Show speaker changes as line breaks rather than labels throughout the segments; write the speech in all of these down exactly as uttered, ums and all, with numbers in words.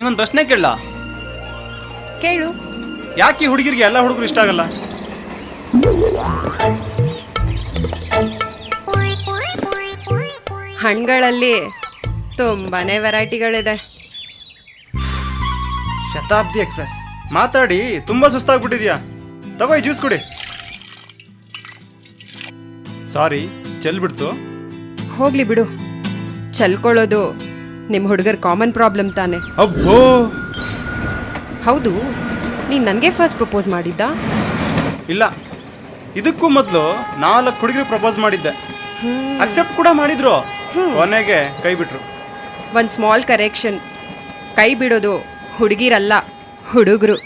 ಒಂದು ಪ್ರಶ್ನೆ ಕೇಳಲ್ಲ?
ಕೇಳು.
ಯಾಕೆ ಈ ಹುಡುಗಿರಿಗೆ ಎಲ್ಲ ಹುಡುಗರು ಇಷ್ಟ ಆಗಲ್ಲ?
ಹಣ್ಣುಗಳಲ್ಲಿ ತುಂಬಾನೇ ವೆರೈಟಿಗಳಿದೆ.
ಶತಾಬ್ದಿ ಎಕ್ಸ್ಪ್ರೆಸ್ ಮಾತಾಡಿ ತುಂಬಾ ಸುಸ್ತಾಗ್ಬಿಟ್ಟಿದ್ಯಾ. ತಗೋ ಈ ಜ್ಯೂಸ್ ಕುಡಿ. ಸಾರಿ, ಚೆಲ್ಬಿಡ್ತು.
ಹೋಗ್ಲಿ ಬಿಡು, ಚಲ್ಕೊಳ್ಳೋದು ನಿಮ್ಮ ಹುಡುಗರ ಕಾಮನ್ ಪ್ರಾಬ್ಲಮ್ ತಾನೆ.
ಅಬ್ಬೋ,
ಹೌದು, ನೀನು ನನಗೆ ಫಸ್ಟ್ ಪ್ರಪೋಸ್ ಮಾಡಿದ್ದ?
ಇಲ್ಲ, ಇದಕ್ಕೂ ಮೊದಲು ನಾಲ್ಕು ಹುಡುಗರು ಪ್ರಪೋಸ್ ಮಾಡಿದ್ದೆ. ಅಕ್ಸೆಪ್ಟ್ ಕೂಡ ಮಾಡಿದ್ರು, ಕೊನೆಗೆ ಕೈ ಬಿಟ್ರು.
ಒಂದು ಸ್ಮಾಲ್ ಕರೆಕ್ಷನ್, ಕೈ ಬಿಡೋದು ಹುಡುಗಿರಲ್ಲ, ಹುಡುಗರು.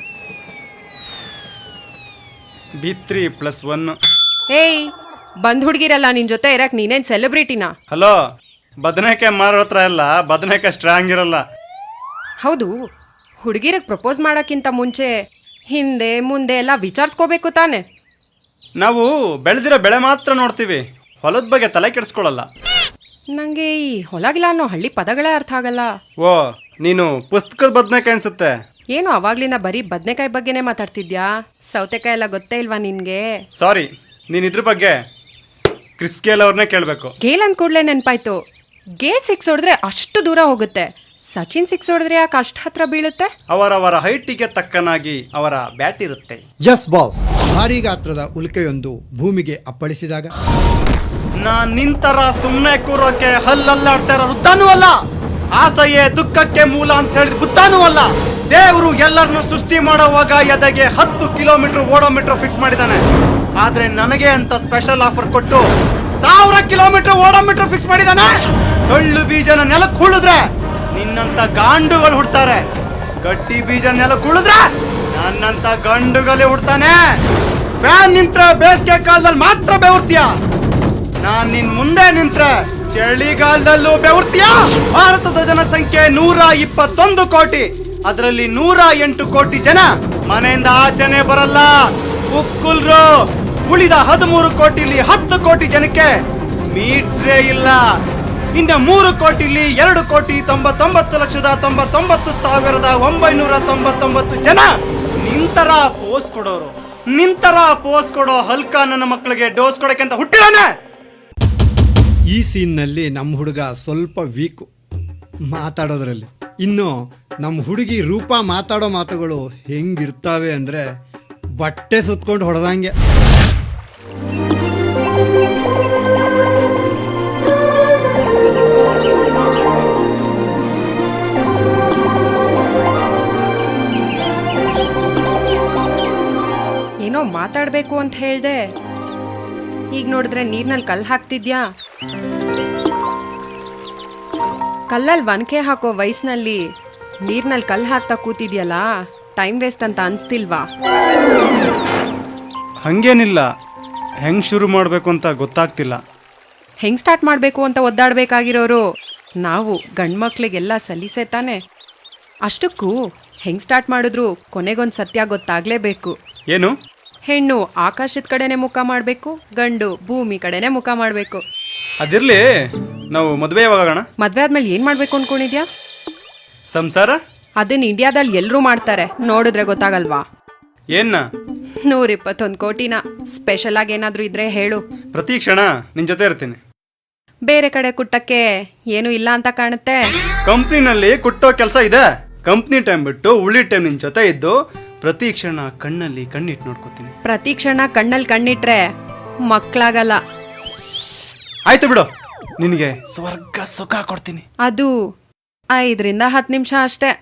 B three plus one.
ಏಯ್, ಬಂದ್ ಹುಡುಗಿರಲ್ಲ, ನಿನ್ ಜೊತೆ ಇರಕ್ ನೀನೇನ್ ಸೆಲೆಬ್ರಿಟಿನಾ?
ಹಲೋ, ಬದನೆಕಾಯಿ ಮಾರೋ ಹತ್ರ ಎಲ್ಲ ಬದನೆಕಾಯಿ ಸ್ಟ್ರಾಂಗ್ ಇರಲ್ಲ.
ಹೌದು, ಹುಡುಗಿರಿಗೆ ಪ್ರಪೋಸ್ ಮಾಡೋಕ್ಕಿಂತ ಮುಂಚೆ ಹಿಂದೆ ಮುಂದೆ ಎಲ್ಲ ವಿಚಾರಿಸ್ಕೋಬೇಕು ತಾನೆ.
ನಾವು ಬೆಳೆದಿರೋ ಬೆಳೆ ಮಾತ್ರ ನೋಡ್ತೀವಿ, ಹೊಲದ ಬಗ್ಗೆ ತಲೆ ಕೆಡಿಸ್ಕೊಳ್ಳಲ್ಲ.
ನಂಗೆ ಈ ಹೊಲಗಿಲ್ಲ ಅನ್ನೋ ಹಳ್ಳಿ ಪದಗಳೇ ಅರ್ಥ ಆಗಲ್ಲ.
ಓ, ನೀನು ಪುಸ್ತಕದ ಬದನೆಕಾಯಿ ಅನ್ಸುತ್ತೆ.
ಏನು ಅವಾಗ್ಲಿಂದ ಬರೀ ಬದನೆಕಾಯಿ ಬಗ್ಗೆನೇ ಮಾತಾಡ್ತಿದ್ಯಾ? ಸೌತೆಕಾಯಿ ಎಲ್ಲ ಗೊತ್ತೇ ಇಲ್ವಾ ನಿನ್ಗೆ?
ಸಾರಿ, ನೀನ್ ಇದ್ರ ಬಗ್ಗೆ ಕ್ರಿಸ್ ಗೇಲ್ ಅವ್ರನ್ನೇ ಕೇಳಬೇಕು.
ಗೇಲ್ ಅಂದ್ ಕೂಡಲೇ ನೆನಪಾಯ್ತು. ಗೇಲ್ ಸಿಕ್ಸ್ ಹೊಡೆದ್ರೆ ಅಷ್ಟು ದೂರ ಹೋಗುತ್ತೆ, ಸಚಿನ್ ಸಿಕ್ಸ್ ಹೊಡೆದ್ರೆ ಯಾಕೆ ಅಷ್ಟು ಹತ್ರ ಬೀಳುತ್ತೆ?
ಅವರವರ ಹೈಟಿಗೆ ತಕ್ಕನಾಗಿ ಅವರ ಬ್ಯಾಟ್ ಇರುತ್ತೆ.
ಜಸ್ ಬಾಸ್ ಭಾರಿ ಗಾತ್ರದ ಉಲ್ಕೆಯೊಂದು ಭೂಮಿಗೆ ಅಪ್ಪಳಿಸಿದಾಗ
ನಾನ್ ನಿಂತರ ಸುಮ್ಮನೆ ಕೂರೋಕೆ ಹಲ್ಲಲ್ಲಾಡ್ತಾ ಇರೋ ವೃದ್ಧಾನೂ ಅಲ್ಲ, ಆಸೆಯೇ ದುಃಖಕ್ಕೆ ಮೂಲ ಅಂತ ಹೇಳಿದ ಬುದ್ಧಾನೂ ಅಲ್ಲ. ದೇವರು ಎಲ್ಲರನ್ನು ಸೃಷ್ಟಿ ಮಾಡೋವಾಗ ಎದೆಗೆ ಹತ್ತು ಕಿಲೋಮೀಟರ್ ಓಡೋಮೀಟರ್ ಫಿಕ್ಸ್ ಮಾಡಿದಾನೆ. ಆದ್ರೆ ನನಗೆ ಅಂತ ಸ್ಪೆಷಲ್ ಆಫರ್ ಕೊಟ್ಟು ಸಾವಿರ ಕಿಲೋಮೀಟರ್ ಓಡೋಮೀಟರ್ ಫಿಕ್ಸ್ ಮಾಡಿದಾನೆ. ಟೊಳ್ಳು ಬೀಜನ ನೆಲಕ್ಕೆ ಹುಳಿದ್ರೆ ನಿನ್ನಂತ ಗಾಂಡುಗಳು ಹುಡ್ತಾರೆ, ಗಟ್ಟಿ ಬೀಜ ನೆಲಕ್ಕೆ ಹುಳಿದ್ರೆ ನನ್ನಂತ ಗಂಡುಗಳೇ ಹುಡ್ತಾನೆ. ಫ್ಯಾನ್ ನಿಂತ್ರೆ ಬೇಸಿಗೆ ಕಾಲದಲ್ಲಿ ಮಾತ್ರ ಬೆವರ್ತೀಯ, ನಾನ್ ನಿನ್ ಮುಂದೆ ನಿಂತ್ರೆ ಚಳಿಗಾಲದಲ್ಲೂ ಬೆವರ್ತೀಯ. ಭಾರತದ ಜನಸಂಖ್ಯೆ ನೂರ ಇಪ್ಪತ್ತೊಂದು ಕೋಟಿ, ಅದರಲ್ಲಿ ನೂರ ಎಂಟು ಕೋಟಿ ಜನ ಮನೆಯಿಂದ ಆಚೆನೆ ಬರಲ್ಲ, ಉಕ್ಕುಲ್ರು. ಉಳಿದ ಹದಿಮೂರು ಕೋಟಿಲಿ ಹತ್ತು ಕೋಟಿ ಜನಕ್ಕೆ ಮೀಟ್ರೇ ಇಲ್ಲ. ಇನ್ನು ಮೂರು ಕೋಟಿಲಿ ಎರಡು ಕೋಟಿ ತೊಂಬತ್ತೊಂಬತ್ತು ಲಕ್ಷದ ತೊಂಬತ್ತೊಂಬತ್ತು ಸಾವಿರದ ಒಂಬೈನೂರ ತೊಂಬತ್ತೊಂಬತ್ತು ಜನ ನಿಂತರ ಪೋಸ್ ಕೊಡೋರು. ನಿಂತರ ಪೋಸ್ ಕೊಡೋ ಹಲ್ಕ ನನ್ನ ಮಕ್ಕಳಿಗೆ ಡೋಸ್ ಕೊಡಕ್ಕೆ ಅಂತ ಹುಟ್ಟಿದಾನೆ.
ಈ ಸೀನ್ನಲ್ಲಿ ನಮ್ಮ ಹುಡುಗ ಸ್ವಲ್ಪ ವೀಕು ಮಾತಾಡೋದ್ರಲ್ಲಿ. ಇನ್ನು ನಮ್ಮ ಹುಡುಗಿ ರೂಪ ಮಾತಾಡೋ ಮಾತುಗಳು ಹೆಂಗಿರ್ತಾವೆ ಅಂದರೆ ಬಟ್ಟೆ ಸುತ್ಕೊಂಡು ಹೊಡೆದಂಗೆ.
ಏನೋ ಮಾತಾಡಬೇಕು ಅಂತ ಹೇಳ್ದೆ, ಈಗ ನೋಡಿದ್ರೆ ನೀರ್ನಲ್ಲಿ ಕಲ್ಲು ಹಾಕ್ತಿದ್ಯಾ? ಕಲ್ಲಲ್ಲಿ ಒನಕೆ ಹಾಕೋ ವಯಸ್ಸಿನಲ್ಲಿ ನೀರ್ನಲ್ಲಿ ಕಲ್ಲು ಹಾಕ್ತಾ ಕೂತಿದ್ಯಲ್ಲ, ಟೈಮ್ ವೇಸ್ಟ್ ಅಂತ ಅನ್ಸ್ತಿಲ್ವಾ?
ಹಂಗೇನಿಲ್ಲ, ಹೆಂಗ್ ಶುರು ಮಾಡಬೇಕು ಅಂತ ಗೊತ್ತಾಗ್ತಿಲ್ಲ.
ಹೆಂಗ್ ಸ್ಟಾರ್ಟ್ ಮಾಡಬೇಕು ಅಂತ ಒದ್ದಾಡಬೇಕಾಗಿರೋರು ನಾವು ಗಂಡ್ಮಕ್ಳಿಗೆಲ್ಲ ಸಲೀಸೆ ತಾನೆ. ಅಷ್ಟಕ್ಕೂ ಹೆಂಗ್ ಸ್ಟಾರ್ಟ್ ಮಾಡಿದ್ರು ಕೊನೆಗೊಂದು ಸತ್ಯ ಗೊತ್ತಾಗ್ಲೇಬೇಕು.
ಏನು?
ಹೆಣ್ಣು ಆಕಾಶದ ಕಡೆನೆ ಮುಖ ಮಾಡಬೇಕು, ಗಂಡು ಭೂಮಿ ಕಡೆನೆ ಮುಖ ಮಾಡಬೇಕು.
ಅದಿರ್ಲಿ, ನಾವು ಮದುವೆ ಯಾವಾಗೋಣ?
ಮದ್ವೆ ಆದ್ಮೇಲೆ ಏನ್ ಮಾಡ್ಬೇಕು ಅನ್ಕೊಂಡಿದ್ಯಾ?
ಸಂಸಾರ.
ಅದನ್ನ ಇಂಡಿಯಾದಲ್ಲಿ ಎಲ್ಲರೂ ಮಾಡ್ತಾರೆ, ನೋಡಿದ್ರೆ ಗೊತ್ತಾಗಲ್ವಾ?
ಏನ್ನ?
ನೂರ ಇಪ್ಪತ್ತೊಂದು ಕೋಟಿನ. ಸ್ಪೆಷಲ್ ಆಗಿ ಏನಾದ್ರೂ ಇದ್ರೆ ಹೇಳು,
ಪ್ರತಿ ಕ್ಷಣ ನಿನ್ ಜೊತೆ ಇರ್ತೀನಿ.
ಬೇರೆ ಕಡೆ ಕುಟ್ಟಕ್ಕೆ ಏನು ಇಲ್ಲ ಅಂತ ಕಾಣುತ್ತೆ.
ಕಂಪ್ನಿನಲ್ಲಿ ಕುಟ್ಟೋ ಕೆಲಸ ಇದೆ. ಕಂಪ್ನಿ ಟೈಮ್ ಬಿಟ್ಟು ಉಳಿ ಟೈಮ್ ನಿನ್ ಜೊತೆ ಇದ್ದು ಪ್ರತಿ ಕ್ಷಣ ಕಣ್ಣಲ್ಲಿ ಕಣ್ಣಿಟ್ಟು ನೋಡ್ಕೋತೀನಿ.
ಪ್ರತಿ ಕ್ಷಣ ಕಣ್ಣಲ್ಲಿ ಕಣ್ಣಿಟ್ರೆ ಮಕ್ಕಳಾಗಲ್ಲ.
ಆಯ್ತು ಬಿಡು, ನಿನಗೆ ಸ್ವರ್ಗ ಸುಖ ಕೊಡ್ತೀನಿ.
ಅದು ಐದರಿಂದ ಹತ್ತು ನಿಮಿಷ ಅಷ್ಟೇ.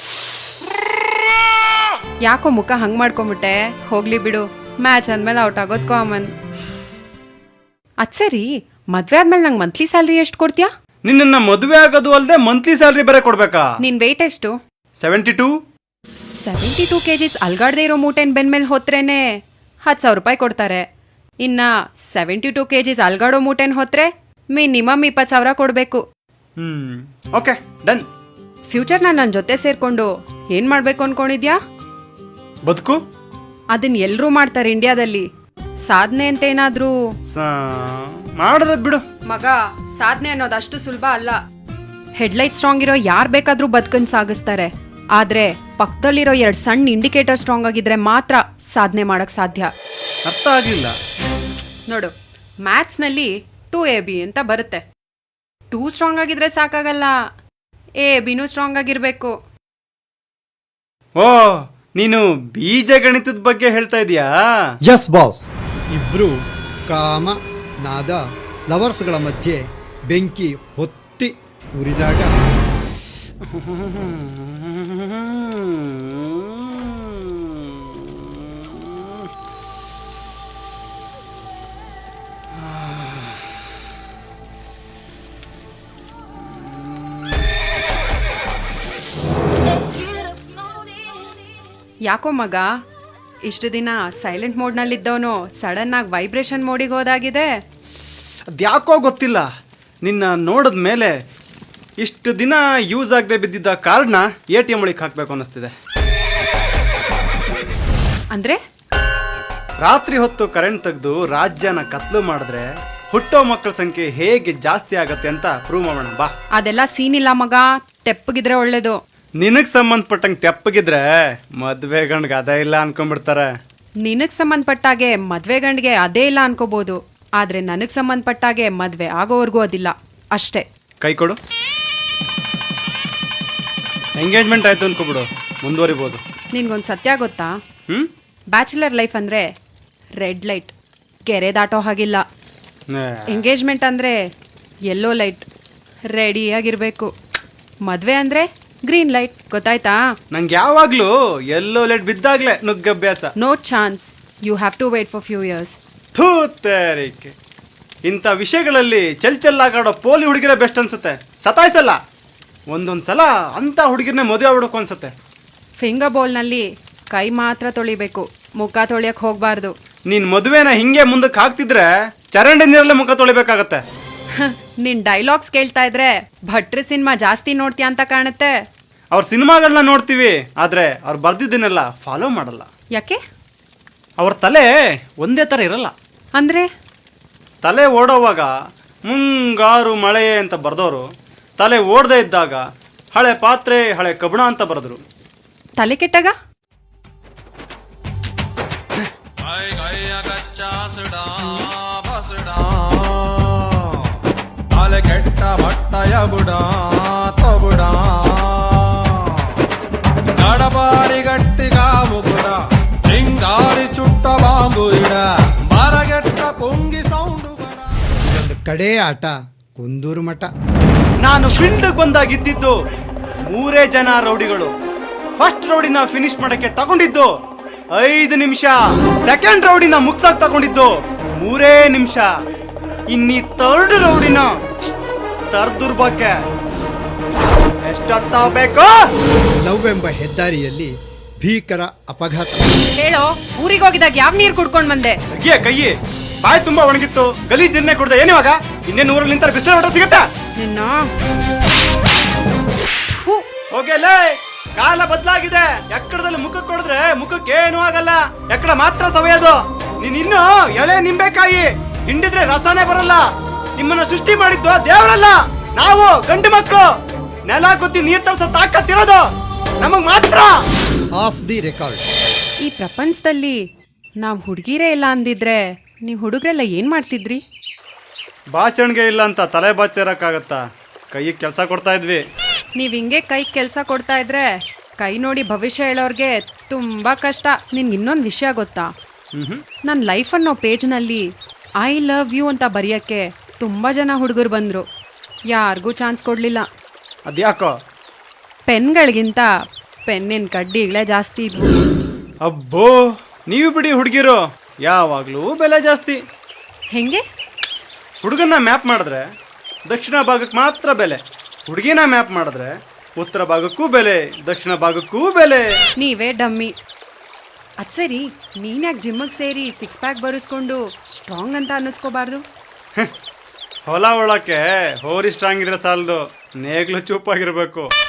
ಯಾಕೋ ಮುಖ ಹಂಗ್ ಮಾಡ್ಕೊಂಬಿಟ್ಟೆ? ಹೋಗ್ಲಿ ಬಿಡು, ಮ್ಯಾಚ್ ಅಂದ್ಮೇಲೆ ಔಟ್ ಆಗೋದು ಕಾಮನ್. ಅದ್ ಸರಿ, ಮದ್ವೆ ಆದ್ಮೇಲೆ ನಂಗೆ ಮಂತ್ಲಿ ಸ್ಯಾಲ್ರಿ ಎಷ್ಟು ಕೊಡ್ತೀಯಾ?
ನಿನ್ನ ಮದುವೆ ಆಗೋದು ಅಲ್ಲದೆ ಮಂತ್ಲಿ ಸ್ಯಾಲ್ರಿ ಬೇರೆ ಕೊಡ್ಬೇಕಾ?
ನಿನ್ ವೆಯ್ಟ್ ಎಷ್ಟು?
Seventy two.
Seventy two kgs ಅಲ್ಗಾಡ್ದೆ ಇರೋ ಮೂಟೆನ್ ಬೆನ್ಮೇಲೆ ಹೊತ್ರೇನೆ ಹತ್ತು ಸಾವಿರ ರೂಪಾಯಿ ಕೊಡ್ತಾರೆ. ಇನ್ನ ಸೆವೆಂಟಿ ಟೂ ಕೆಜಿಸ್ ಅಲ್ಗಾಡೋ ಮೂಟೆನ್ ಹೊತ್ರೆ ಮಿನಿಮಮ್ ಇಪ್ಪತ್ತು ಸಾವಿರ ಕೊಡಬೇಕು.
ಹ್ಮ್, ಓಕೆ ಡನ್.
ಫ್ಯೂಚರ್ನ ನನ್ನ ಜೊತೆ ಸೇರ್ಕೊಂಡು ಏನ್ ಮಾಡ್ಬೇಕು ಅನ್ಕೊಂಡಿದ್ಯಾ?
ಬದುಕು.
ಅದನ್ನ ಎಲ್ರೂ ಮಾಡ್ತಾರೆ ಇಂಡಿಯಾದಲ್ಲಿ. ಸಾಧನೆ ಅಂತ ಏನಾದ್ರೂ
ಮಾಡಿರೋದ್ ಬಿಡು
ಮಗ. ಸಾಧನೆ ಅನ್ನೋದು ಅಷ್ಟು ಸುಲಭ ಅಲ್ಲ. ಹೆಡ್ಲೈಟ್ ಸ್ಟ್ರಾಂಗ್ ಇರೋ ಯಾರು ಬೇಕಾದ್ರೂ ಬದುಕನ್ ಸಾಗಿಸ್ತಾರೆ. ಆದ್ರೆ ಪಕ್ಕದಲ್ಲಿರೋ ಎರಡು ಸಣ್ಣ ಇಂಡಿಕೇಟರ್ ಸ್ಟ್ರಾಂಗ್ ಆಗಿದ್ರೆ ಮಾತ್ರ ಸಾಧನೆ ಮಾಡಕ್ ಸಾಧ್ಯ.
ಅರ್ಥ ಆಗ್ಲಿಲ್ಲ.
ನೋಡು, ಮ್ಯಾಥ್ಸ್ನಲ್ಲಿ ಟೂ ಎ ಬಿ ಅಂತ ಬರುತ್ತೆ. ಟೂ ಸ್ಟ್ರಾಂಗ್ ಆಗಿದ್ರೆ ಸಾಕಾಗಲ್ಲ, ಎ ಬಿನೂ ಸ್ಟ್ರಾಂಗ್ ಆಗಿರ್ಬೇಕು.
ಓ, ನೀನು ಬೀಜಗಣಿತದ ಬಗ್ಗೆ ಹೇಳ್ತಾ ಇದೀಯಾ?
Yes boss. ಇಬ್ರು ಕಾಮ ನಾದ ಲವರ್ಸ್ಗಳ ಮಧ್ಯೆ ಬೆಂಕಿ ಹೊತ್ತಿ ಉರಿದಾಗ
ಯಾಕೋ ಮಗ, ಇಷ್ಟು ದಿನ ಸೈಲೆಂಟ್ ಮೋಡ್ನಲ್ಲಿದ್ದವನು ಸಡನ್ ಆಗಿ ವೈಬ್ರೇಷನ್ ಮೋಡಿಗೆ ಹೋದಾಗಿದೆ.
ಅದ್ಯಾಕೋ ಗೊತ್ತಿಲ್ಲ, ನಿನ್ನ ನೋಡಿದ ಮೇಲೆ ಇಷ್ಟು ದಿನ ಯೂಸ್ ಆಗದೆ ಬಿದ್ದಿದ್ದ ಕಾರ್ಡ್ನ ಎ ಟಿ ಎಂ ಒಳಗೆ ಹಾಕಬೇಕು ಅನ್ನಿಸ್ತಿದೆ.
ಅಂದ್ರೆ
ರಾತ್ರಿ ಹೊತ್ತು ಕರೆಂಟ್ ತೆಗೆದು ರಾಜ್ಯನ ಕತ್ಲು ಮಾಡಿದ್ರೆ ಹುಟ್ಟೋ ಮಕ್ಕಳ ಸಂಖ್ಯೆ ಹೇಗೆ ಜಾಸ್ತಿ ಆಗತ್ತೆ ಅಂತ ಪ್ರೂವ್ ಮಾಡೋಣ ಬಾ.
ಅದೆಲ್ಲ ಸೀನ್ ಇಲ್ಲ ಮಗ, ತೆಪ್ಪಗಿದ್ರೆ ಒಳ್ಳೇದು.
ನಿನಗೆ ಸಂಬಂಧಪಟ್ಟಂಗೆ ತೆಪ್ಪಗಿದ್ರೆ ಮದ್ವೆ ಗಂಡ್ಗೆ ಅದೇ ಇಲ್ಲ ಅನ್ಕೊಂಡ್ಬಿಡ್ತಾರೆ.
ನಿನಗ್ ಸಂಬಂಧಪಟ್ಟಾಗೆ ಮದ್ವೆ ಗಂಡಿಗೆ ಅದೇ ಇಲ್ಲ ಅನ್ಕೋಬಹುದು, ಆದ್ರೆ ನನಗ್ ಸಂಬಂಧಪಟ್ಟಾಗೆ ಮದ್ವೆ ಆಗೋವರೆಗೂ ಅದಿಲ್ಲ ಅಷ್ಟೇ.
ಕೈ ಕೊಡು. ಎಂಗೇಜ್ಮೆಂಟ್ ಆಯ್ತು ಅನ್ಕೋಬಿಡು, ಮುಂದುವರಿಬೋದು.
ನಿನ್ಗೊಂದು ಸತ್ಯ ಗೊತ್ತಾ?
ಹ್ಮ್
ಬ್ಯಾಚುಲರ್ ಲೈಫ್ ಅಂದ್ರೆ ರೆಡ್ ಲೈಟ್, ಕೆರೆ ದಾಟೋ ಹಾಗಿಲ್ಲ. ಎಂಗೇಜ್ಮೆಂಟ್ ಅಂದ್ರೆ ಯೆಲ್ಲೋ ಲೈಟ್, ರೆಡಿಯಾಗಿರ್ಬೇಕು. ಮದ್ವೆ ಅಂದ್ರೆ ಗ್ರೀನ್ ಲೈಟ್, ಗೊತ್ತಾಯ್ತಾ?
ನಂಗೆ ಯಾವಾಗ್ಲೂ ಎಲ್ಲೋ ಲೈಟ್ ಬಿದ್ದಾಗ್ಲೇ ನುಗ್ಗಭ್ಯಾಸ.
No chance, you have to wait for few years.
ಥೂ ತೇರಿಕೆ, ಇಂಥ ವಿಷಯಗಳಲ್ಲಿ ಚೆಲ್ ಚೆಲ್ಲಾಗಾಡೋ ಪೋಲಿ ಹುಡುಗಿರೇ ಬೆಸ್ಟ್ ಅನ್ಸುತ್ತೆ. ಸತಾಯಿಸಲ್ಲ, ಒಂದೊಂದು ಸಲ ಅಂಥ ಹುಡುಗಿರನ್ನೇ ಮದುವೆ ಆಗ್ಬಿಡೋಕು ಅನ್ಸುತ್ತೆ.
ಫಿಂಗರ್ ಬೌಲ್ನಲ್ಲಿ ಕೈ ಮಾತ್ರ ತೊಳಿಬೇಕು, ಮುಖ ತೊಳಿಯಕ್ಕೆ ಹೋಗಬಾರ್ದು.
ನೀನು ಮದುವೆನ ಹಿಂಗೆ ಮುಂದಕ್ಕೆ ಹಾಕ್ತಿದ್ರೆ ಚರಂಡಿ ನೀರಲ್ಲೇ ಮುಖ ತೊಳಿಬೇಕಾಗತ್ತೆ.
ನಿನ್ ಡೈಲಾಗ್ಸ್ ಕೇಳ್ತಾ ಇದ್ರೆ ಭಟ್ರಿ ಸಿನಿಮಾ ಜಾಸ್ತಿ ನೋಡ್ತೀಯ ಅಂತ ಕಾಣುತ್ತೆ.
ಅವ್ರ ಸಿನಿಮಾಗಳನ್ನ ನೋಡ್ತೀವಿ, ಆದರೆ ಅವ್ರು ಬರ್ದಿದ್ದನ್ನೆಲ್ಲ ಫಾಲೋ ಮಾಡಲ್ಲ.
ಯಾಕೆ?
ಅವ್ರ ತಲೆ ಒಂದೇ ಥರ ಇರಲ್ಲ.
ಅಂದ್ರೆ
ತಲೆ ಓಡೋವಾಗ ಮುಂಗಾರು ಮಳೆ ಅಂತ ಬರ್ದವರು ತಲೆ ಓಡದೇ ಇದ್ದಾಗ ಹಳೆ ಪಾತ್ರೆ ಹಳೆ ಕಬ್ಬಣ ಅಂತ ಬರೆದ್ರು.
ತಲೆ ಕೆಟ್ಟಾಗ
ತಲೆ ಕೆಟ್ಟ ಬಟ್ಟಯ ಬುಡ ತಬುಡ ನಡಬಾರಿ ಗಟ್ಟಿಗ ಮುಗುಡ ಚಿಂಗಾರಿ ಚುಟ್ಟ ಬಾಂಬು ಇಡ ಮರಗೆಟ್ಟ ಪುಂಗಿ ಸೌಂಡು ಬಡ.
ಇದೊಂದು ಕಡೆ ಆಟ ಕುಂದೂರು ಮಠ.
ನಾನು ಫೀಲ್ಡ್ಗೆ ಬಂದಾಗಿದ್ದು ಮೂರೇ ಜನ ರೌಡಿಗಳು. ಫಸ್ಟ್ ರೌಡಿನ ಫಿನಿಶ್ ಮಾಡಕ್ಕೆ ತಗೊಂಡಿದ್ದು ಐದು ನಿಮಿಷ, ಸೆಕೆಂಡ್ ರೌಡಿನ ಮುಗ್ಸಾಕ್ ತಗೊಂಡಿದ್ದು ಮೂರೇ ನಿಮಿಷ. ಇನ್ನಿ ಥರ್ಡ್ ರೌಡಿನ ತರ್ದುರ್ಬಕ್ಕೆ ಎಷ್ಟೊತ್ತಾಗಬೇಕು?
ಲವ್ ಎಂಬ ಹೆದ್ದಾರಿಯಲ್ಲಿ ಭೀಕರ ಅಪಘಾತ.
ಹೇಳೋ, ಊರಿಗೆ ಹೋಗಿದಾಗ ಯಾವ ನೀರು ಕುಡ್ಕೊಂಡ್ ಬಂದೆ?
ಅಯ್ಯ ಕೈಯಿ, ಬಾಯಿ ತುಂಬಾ ಒಣಗಿತ್ತು, ಗಲೀಜ್ ನೀರ್ನೇ ಕುಡ್ದೆ. ಏನಿವಾಗ ಇನ್ನೇನು ಊರಲ್ಲಿ ನಿಂತಾರೆ ಬಿಸಿಲು ಹೊರ ಸಿಗತ್ತಾ
ನಿನ್ನ?
ಹೋಗಲೇ, ಕಾಲ ಬದಲಾಗಿದೆ. ಎಕ್ಕಡದಲ್ಲಿ ಮುಖಕ್ಕೆ ಕೊಡಿದ್ರೆ ಮುಖಕ್ಕೆ ಏನೂ ಆಗಲ್ಲ, ಎಕ್ಕಡ ಮಾತ್ರ ಸವೆಯೋದು. ನೀನ್ ಇನ್ನು ಎಳೆ ನಿಂಬೆಕಾಯಿ, ಹಿಂಡಿದ್ರೆ ರಸನೇ ಬರಲ್ಲ. ನಿಮ್ಮನ್ನ ಸೃಷ್ಟಿ ಮಾಡಿದ್ದು ದೇವರಲ್ಲ, ನಾವು ಗಂಡು ಮಕ್ಕಳು. ನೆಲ ಗುದ್ದಿ ನೀರ್ ತರಿಸೋ ತಾಕತ್ತಿರೋದು ನಮಗ್ ಮಾತ್ರ.
Off the record.
ಈ ಪ್ರಪಂಚದಲ್ಲಿ ನಾವು ಹುಡುಗಿರೇ ಇಲ್ಲ ಅಂದಿದ್ರೆ ನೀವು ಹುಡುಗರೆಲ್ಲ ಏನ್ ಮಾಡ್ತಿದ್ರಿ?
ಬಾಚಣಿಗೆ ಇಲ್ಲ ಅಂತ ತಲೆ ಬಾಚಿರಕ್ಕಾಗತ್ತಾ? ಕೈಗೆ ಕೆಲಸ ಕೊಡ್ತಾ ಇದ್ವಿ.
ನೀವ್ ಹಿಂಗೆ ಕೈ ಕೆಲಸ ಕೊಡ್ತಾ ಇದ್ರೆ ಕೈ ನೋಡಿ ಭವಿಷ್ಯ ಹೇಳೋರ್ಗೆ ತುಂಬಾ ಕಷ್ಟ. ನಿನ್ಗೆ ಇನ್ನೊಂದು ವಿಷಯ ಗೊತ್ತಾ? ನನ್ನ ಲೈಫ್ ಅನ್ನೋ ಪೇಜ್ನಲ್ಲಿ ಐ ಲವ್ ಯು ಅಂತ ಬರೆಯೋಕ್ಕೆ ತುಂಬ ಜನ ಹುಡುಗರು ಬಂದರು, ಯಾರಿಗೂ ಚಾನ್ಸ್ ಕೊಡಲಿಲ್ಲ.
ಅದ್ಯಾಕೋ?
ಪೆನ್ಗಳಿಗಿಂತ ಪೆನ್ನಿನ ಕಡ್ಡಿಗಳೇ ಜಾಸ್ತಿ ಇದ್ವು.
ಅಬ್ಬೋ, ನೀವು ಬಿಡಿ ಹುಡುಗಿರು, ಯಾವಾಗಲೂ ಬೆಲೆ ಜಾಸ್ತಿ.
ಹೆಂಗೆ?
ಹುಡುಗನ್ನ ಮ್ಯಾಪ್ ಮಾಡಿದ್ರೆ ದಕ್ಷಿಣ ಭಾಗಕ್ಕೆ ಮಾತ್ರ ಬೆಲೆ, ಹುಡುಗಿನ ಮ್ಯಾಪ್ ಮಾಡಿದ್ರೆ ಉತ್ತರ ಭಾಗಕ್ಕೂ ಬೆಲೆ, ದಕ್ಷಿಣ ಭಾಗಕ್ಕೂ ಬೆಲೆ.
ನೀವೇ ಡಮ್ಮಿ. ಅದು ಸರಿ, ನೀನ್ಯಾಕೆ ಜಿಮ್ಮಿಗೆ ಸೇರಿ ಸಿಕ್ಸ್ ಪ್ಯಾಕ್ ಬರೆಸ್ಕೊಂಡು ಸ್ಟ್ರಾಂಗ್ ಅಂತ ಅನ್ನಿಸ್ಕೋಬಾರ್ದು?
ಹೊಲ ಒಳಕ್ಕೆ ಹೋರಿ ಸ್ಟ್ರಾಂಗ್ ಇದ್ರೆ ಸಾಲದು, ನೇಗ್ಲು ಚೂಪಾಗಿರ್ಬೇಕು.